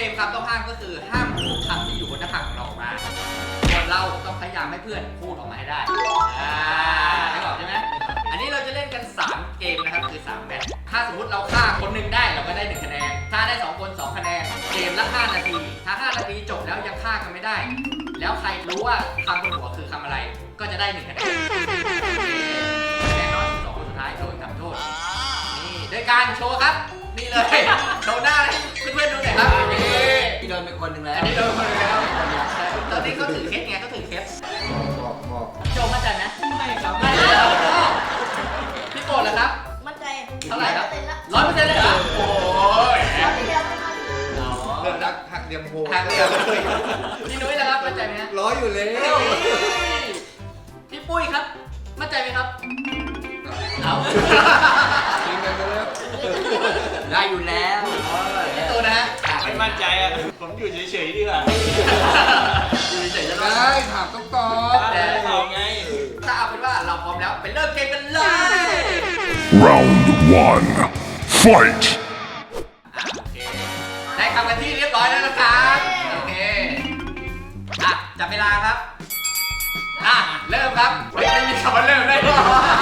มคำต้องห้ามก็คือห้ามพูดคำที่อยู่บนหน้าผากของเราออกมาส่วนเราต้องพยายามให้เพื่อนพูดออกมาให้ได้ไม่บอกใช่ไหมอันนี้เราจะเล่นกัน3เกมนะครับคือ3แมตช์ถ้าสมมติเราฆ่าคนหนึ่งได้เราก็ได้1คะแนนถ้าได้2คน2คะแนนเกมละ5นาทีถ้า5นาทีจบแล้วยังฆ่ากันไม่ได้แล้วใครรู้ว่าคำบนหัวคือคำอะไรก็จะได้1คะแนนแน่นอน2คนสุดท้ายโดนทำโทษนี่โดยการโชว์ครับนี่เลยโชว์หน้าให้เพื่อนๆดูหน่อยครับพี่โดนเป็นคนหนึ่งแล้วอันนี้โดนคนแล้วตอนนี้เขาถือเคสไงเขาถือเคสบอกโจมั่นใจไหมไม่ครับไม่แล้วพี่โกรธเหรอครับมั่นใจเท่าไหร่ครับ 100% 100%เลยเหรอโอ้ยแล้วที่เดียวไม่มาถึงเริ่มรักหักเดียมโพทางเดียวพี่นุ้ยนะครับมั่นใจไหมฮะร้อยอยู่แล้วพี่ปุ้ยครับมั่นใจไหมครับเอาจริงกันไปแล้วได้อยู่แล้วพี่ตูนะฮะไม่มั่นใจอ่ะผมอยู่เฉยๆดีกว่าอยู่เฉยๆจะรอได้ถามต้องตอบแต่เอาไงถ้าเอาเป็นว่าเราพร้อมแล้วไปเริ่มเกมกันเลย Round 1. Fight! โอเคได้คำกันที่เรียบร้อยแล้วนะครับโอเคจับเวลาครับเริ่มครับไม่มีคำว่าเริ่มได้หรอ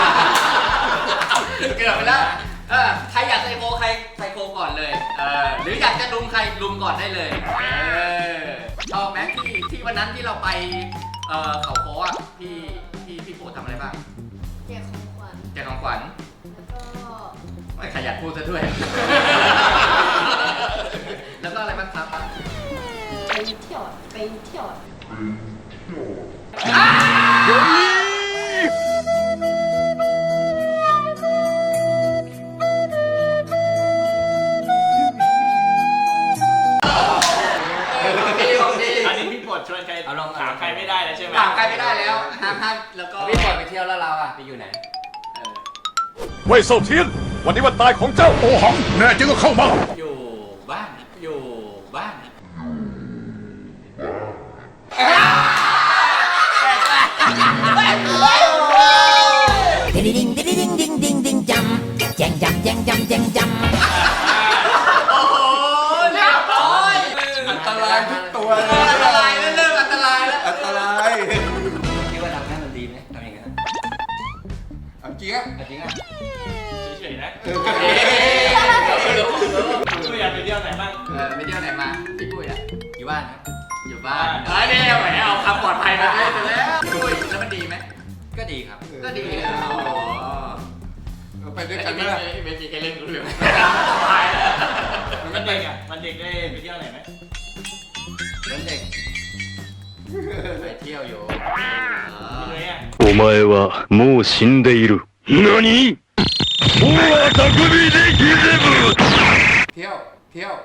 เกือบไปแล้วใครอยากไซโคใครไซโคก่อนเลยหรืออยากจะลุมใครลุมก่อนได้เลยชอบไหมที่วันนั้นที่เราไปเขาโค้อ่ะพี่โปรดทำอะไรบ้างแจกของขวัญแจกของขวัญแล้วก็ไม่ขยันพูดซะด้วย แล้วก็อะไรบ้างครับไปเที่ยวไปเที่ยวอันนี้พี่ปวดชวนใครเอาลองถามใครไม่ได้แล้วใช่ไหมถามใครไม่ได้แล้วห้ามแล้วก็พี่ปล่อยไปเที่ยวแล้วเราอ่ะไปอยู่ไหนเว่ยเซาเทียน วันนี้วันตายของเจ้าโอหัง แน่จริงก็เข้ามาอยู่บ้านนะอยู่บ้านนะ Ding ding ding ding ding ding ding jump, jang jump jang jump jang jump. โอ้โหเรียบร้อยอันตรายทุกตัวเลยอันตรายแล้วเริ่มอันตรายแล้วอันตรายคิดว่าทำให้มันดีไหมทำอย่างนั้นเอาจริงอ่ะจริงอ่ะเฉยๆนะเไม่อยากไปเที่ยวไหนบ้างไปเที่ยวไหนมาพี่ปุ้ยอะอยู่บ้านครับอยู่บ้านเนี่ยแหมเอาคำปลอดภัยมาเลยแล้วพี่ปุ้ยแล้วมันดีไหมก็ดีครับก็ดีไปด้วยกักัน นไหมไม่ล่ะไม่มีใครเล่นรู้เรื่องมันเด็กอ่ะมันเด็กได้ไปเที่ยวไหนไหมเหมือนเด็กไปเที่ยวอยู่พี่นุ้ยอ่ะお前はもう死んでいる。何？大匠でギゼブ！ เที่ยวเที่ยว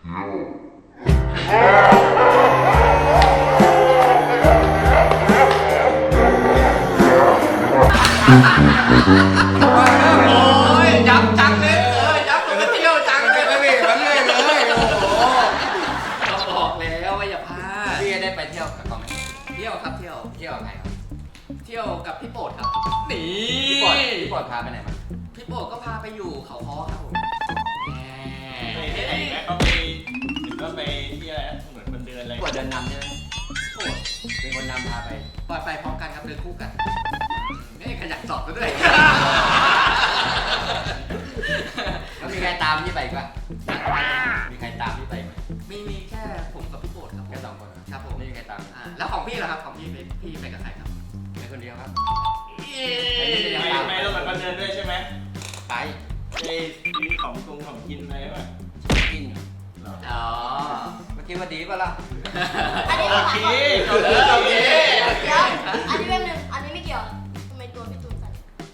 โอ้ยจับจังเลยจับไปเที่ยวจังเลยมันเลยมันเลยเลยโอ้โหเราบอกแล้วว่าอย่าพลาดพี่ได้ไปเที่ยวกับเขาไหมเที่ยวครับเที่ยวเที่ยวกับใครครับเที่ยวกับพี่โปรดครับนี่พี่ปอดพาไปไหนมาพี่โปรดก็พาไปอยู่เขาค้อครับผมไปที่ไหนนะเขาไปหรือว่าไปที่อะไรนะเหมือนคนเดินอะไรพี่ปอดเดินนำใช่ไหมโปรดเป็นคนนำพาไปปล่อยไปพร้อมกันครับเดินคู่กันนี่ขยันสอบกันด้วยแล้วมีใครตามพี่ไปอีกปะมีใครตามพี่ไปไหมมีแค่ผมกับพี่โปรดครับผมแค่2 คนเหรอครับผมไม่มีใครตามแล้วของพี่ล่ะครับของพี่ไปกับใครครับไปคนเดียวครับไม่ต้องแบบคนเดินด้วยใช่ไหมไปไปมีของกินอะไรป่ะกินอยู่อ๋อเมื่อกี้ว่าดีป่ะล่ะอันนี้โอไม่เคขายโอเคเดี๋ยวอันนี้เป็นหนึ่งอันนี้ไม่เกี่ยวทำไมตัวพี่ตูนสั่น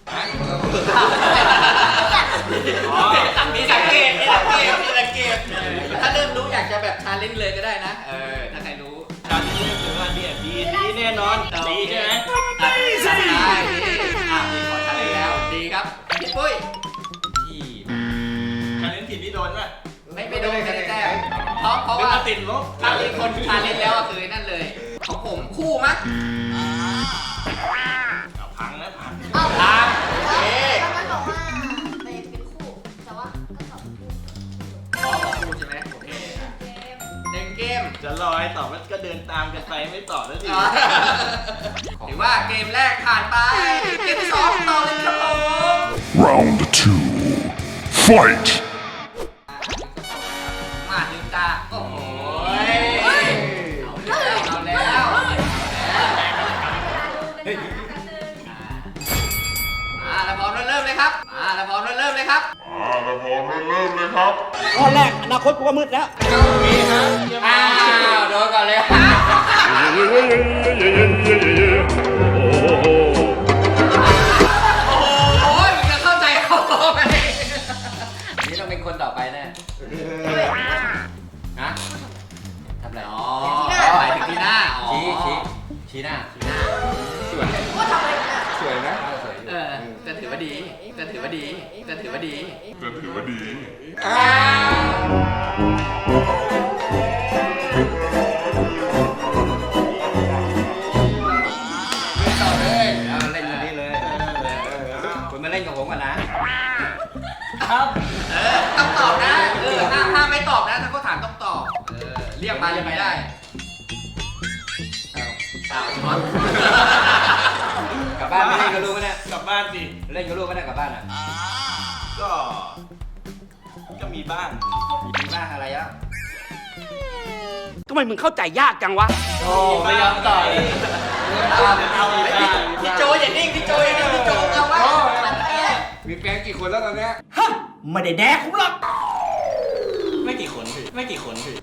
มีสังเกตถ้าเริ่มรู้อยากจะแบบชาเลนจ์เลยก็ได้นะถ้าใครรู้การที่เล่นถือว่าเนี่ยดีแน่นอนดีใช่ไหมได้ดีมีขอชาเลนจ์แล้วดีครับพี่ปุ้ยที่การเล่นผิดที่โดนป่ะไม่โดนไม่ได้แต้มเพราะหรือว่ามาติดลบถ้ามีคนชาเลนจ์แล้วคือนั่นเลยของผมคู่มั้งพังแล้วพังอ้าวตามแล้วมันบอกว่าไปเป็นคู่แต่ว่าก็ตอบคู่อ๋อคู่ใช่ไหมโอเคเกมในจะรอให้ตอบมันก็เดินตามกันไปไม่ตอบแล้วสิถือว่าเกมแรกผ่านไป เกมที่สองต่อเลยครับผม Round 2. Fight! มาถึงตาโอ้โหเอาแล้วแล้วพร้อมแล้วเริ่มเลยครับแล้วพร้อมแล้วเริ่มเลยครับข้อแรกอนาคตกูก็มืดแล้วอ้าวโดนก่อนเลยโอ้ยมึงจะเข้าใจเขาไหมนี่ต้องเป็นคนต่อไปแน่นะทำอะไรอ๋อหมายถึงที่หน้าอ๋อชี้หน้าสวยว่าทำอะไรกันอ่ะสวยนะสวยอยู่แต่ถือว่าดีแต่ถือว่าดีแต่ถือว่าดีอ้าว ต่อเลยแล้วเล่นกันนี่เลยคุณมาเล่นกับผมกันนะต้องตอบนะห้ามไม่ตอบนะถ้าเขาถามต้องตอบเรียกมาเลยไม่ได้อ้าวช็อตกลับบ้านไม่เล่นกับลูกกันนะกลับบ้านสิเล่นกับลูกกันนะกลับบ้านอ่ะก็มีบ้างมีบ้างอะไรอ่ะทำไมมึงเข้าใจยากจังวะโอ้ไม่ยอมต่อยพี่โจอย่านิ่งพี่โจอย่านิ่งพี่โจเอาไว้มีแฟนกี่คนแล้วตอนเนี้ยไม่ได้แดกคุณหรอกไม่กี่คนพี่ไม่กี่คนพี่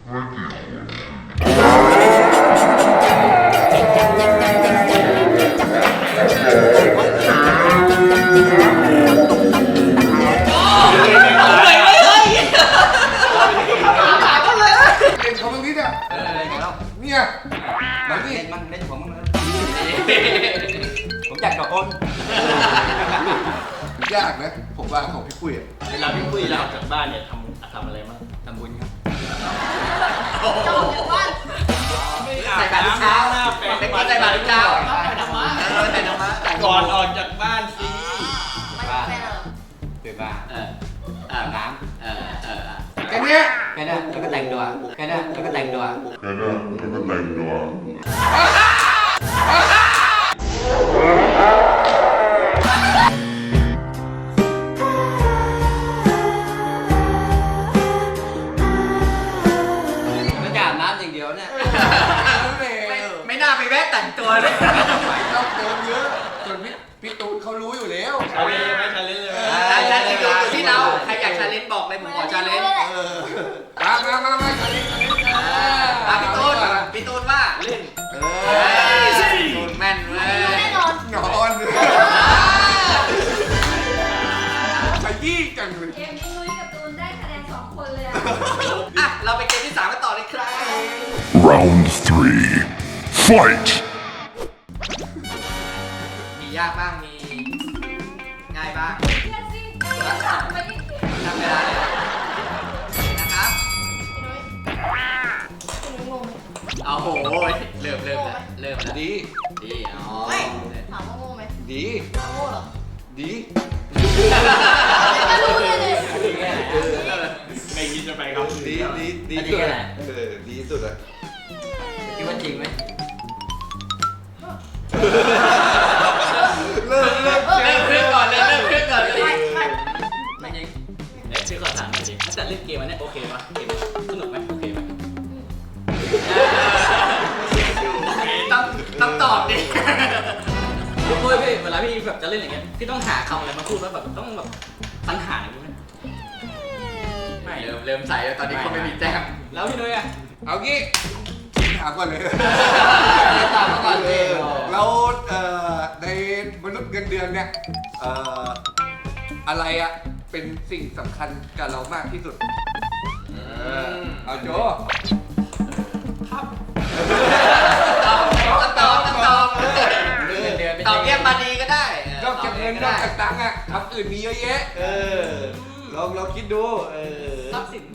เล่นเขาบางทีเนี่ยเล่นไงเล่าเนี่ยมัมาน ดิเล่นมันเล่นผมมั้งเลยผมอยากกับคนยากนะ ผมว่าของพี่ปุ้ยอะเวลาพี่ปุ้ยเราออกจากบ้านเนี่ยทำอะไรบ้างทำบุญครับจะออกจากบ้านใส่บาตรทุกเช้าแปรงเป็นฟัคนนใส่บาตรทุกเช้าไปทำมาใส่น้ำมันก่อนออกจากบ้านสิไม่แฟนเหรอตื่นมาอาบน้แค่เนี้ยำแค่นั้นแล้วก็แต่งตัวแค่นั้นแล้วก็แต่งตัว มันจะอาบน้ำอย่างเดียวเนี่ยไม่น่าไปแวะแต่งตัวเลยเราเติมเยอะจนพี่ตูนเขารู้อยู่แล้วชาเลนจ์ไหมชาเลนจ์เลยไหมชาเลนจ์อยู่ที่เราใครอยากชาเลนจ์บอกเลยผมขอชาเลนจ์มาชาเลนจ์พี่ตูนว่าเล่น ตูนแม่นเว้ยแน่นอนนอนขยี้จังเลยเกมนี้นุ้ยกับตูนได้คะแนน2 คนเลยอะอ่ะเราไปเกมที่3กันต่อเลยครับ Round 3. Fight! มียากบ้างมีง่ายบ้างเพื่อนสิไม่ได้ทำเวลาเลยนะครับพี่นุ้ยงงเอาโหเริ่มแล้วดีดีอ๋อไม่ถามว่างงไหมดีถามว่าโง่เหรอดีจะรู้เลยดิไม่คิดจะไปครับดีสุดดีสุดอะคิดว่าจริงไหมเริ่มเริ่มเครื่องก่อนเลยเริ่มเครื่องก่อนเลยไม่จริงพี่ขอถามหน่อยดิถ้าจะเล่นเกมอันนี้โอเคปะเกมสนุกไหมโอเคไหมต้องตอบดิพี่ปุ้ยพี่เวลาพี่แบบจะเล่นอย่างเงี้ยพี่ต้องหาคำอะไรมาพูดแล้วแบบต้องแบบปัญหาอย่างนี้ไหมไม่เริ่มใส่แล้วตอนนี้เขาไม่มีแต้มแล้วพี่นุ้ยอะเอางี้ถามก่อนเลยตามมาก่อนเลยแล้วในมนุษย์เงินเดือนเนี่ยอะไรอะเป็นสิ่งสำคัญกับเรามากที่สุดเอาโจต้องตอบตอบเรียกมาดีก็ได้นอกจากเงินนอกจากตังค์อะทำอื่นมีเยอะแยะเราคิดดูทรัพย์สิน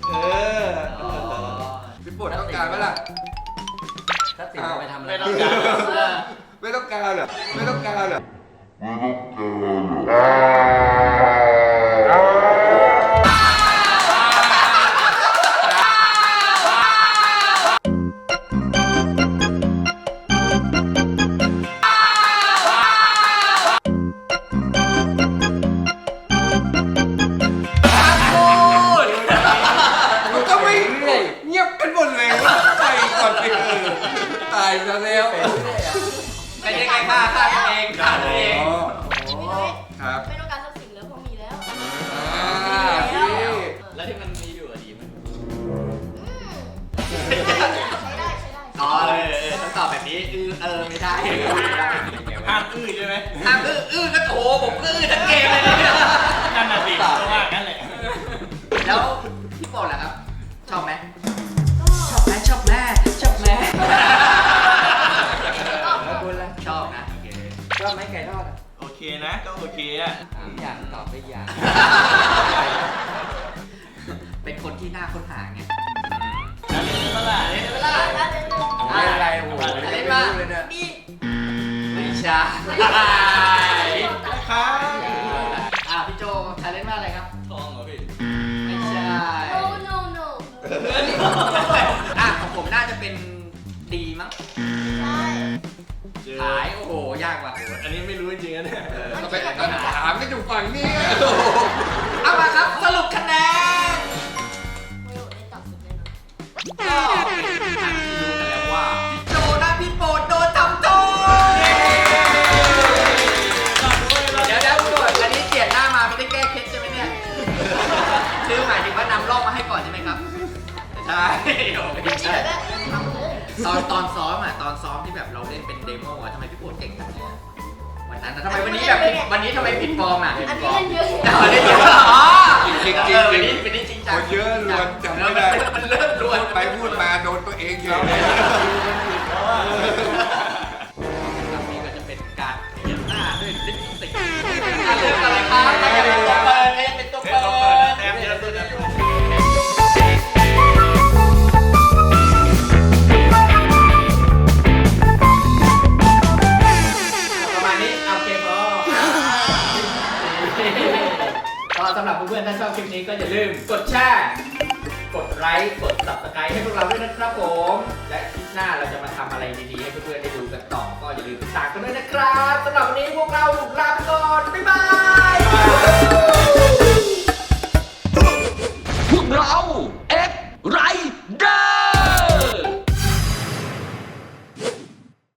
พี่ปวดต้องการไหมล่ะถ้าติดจะไปทำอะไรไม่ต้องการไม่ต้องการเหรอไม่ต้องการเหรออบแบบนี้ไม่ได้ห้ามอื้อใช่ไหมห้ามก็โถผมก็ทั้งเกมเลยเนี่ยนั่นน่ะสิเพราะว่างั้นแหละแล้วพี่โปรดล่ะครับ ชอบไหมก็ชอบไหมชอบแม่ชอบแม่แล้วคุณล่ะชอบนะโอเคชอบไหมไก่ทอดอ่ะโอเคนะก็โอเคอ่ะอย่างตอบไปอย่างเป็นคนที่น่าค้นหาไงแล้วเล่นเมื่อไหร่เล่นเวลาแล้วเป็นหนึ่งไม่เป็นไรโอ้โหเล่นไม่มารู้เลยเนี่ยมีไม่ใช่ครับพี่โจใครเล่นว่าอะไรครับทองเหรอพี่ไม่ใช่ no no no ของผมน่าจะเป็นดีมั้งใช่ขายโอ้โหยากว่ะอันนี้ไม่รู้จริงๆนะเนี่ยก็ไปถามกันอยู่ฝั่งนี้เอามาครับสรุปคะแนนไม่รู้ได้ตับสุดแน่นอนก็เป็นทางที่รู้กันแล้วว่าพี่โจและพี่โปรดโดนทำโทษเดี๋ยวคุณโดดอันนี้เปลี่ยนหน้ามาไม่ได้แก้เคล็ดใช่ไหมเนี่ยคือหมายถึงว่านำร่องมาให้ก่อนใช่ไหมครับใช่โอ้อันไม่นี้ใช่แบบทำเลยตอนซ้อมที่แบบเราเล่นเป็นเดโมอะทำไมพี่โปรดเก่งจังเลยอะวันนั้นนะทำไมวันนี้แบบวันนี้ทำไมผิดฟอร์มอ่ะอันนี้เล่นเยอะเล่นเยอะอ๋อจริงวันนี้จริงจังคนเยอะรวนจำไม่ได้มันเริ่มรวนพูดไปพูดมาโดนตัวเองเฉยนี่ก็จะเป็นการเขียนหน้าด้วยลิปสติกเรื่องอะไรครับใครอยากเป็นตัวเปิดใครอยากเป็นตัวเปิดแต้มเยอะสุดนะประมาณนี้เอาเกมพอก็สำหรับเพื่อนๆถ้าชอบคลิปนี้ก็อย่าลืมกดแชร์กดไลค์กด subscribe ให้พวกเราด้วยนะครับผมและคลิปหน้าเราจะมาทำอะไรดีๆให้เพื่อนๆได้ดูกันต่อก็อย่าลืมติดตามกันด้วยนะครับสำหรับวันนี้พวกเราลาไปก่อนบ๊ายบาย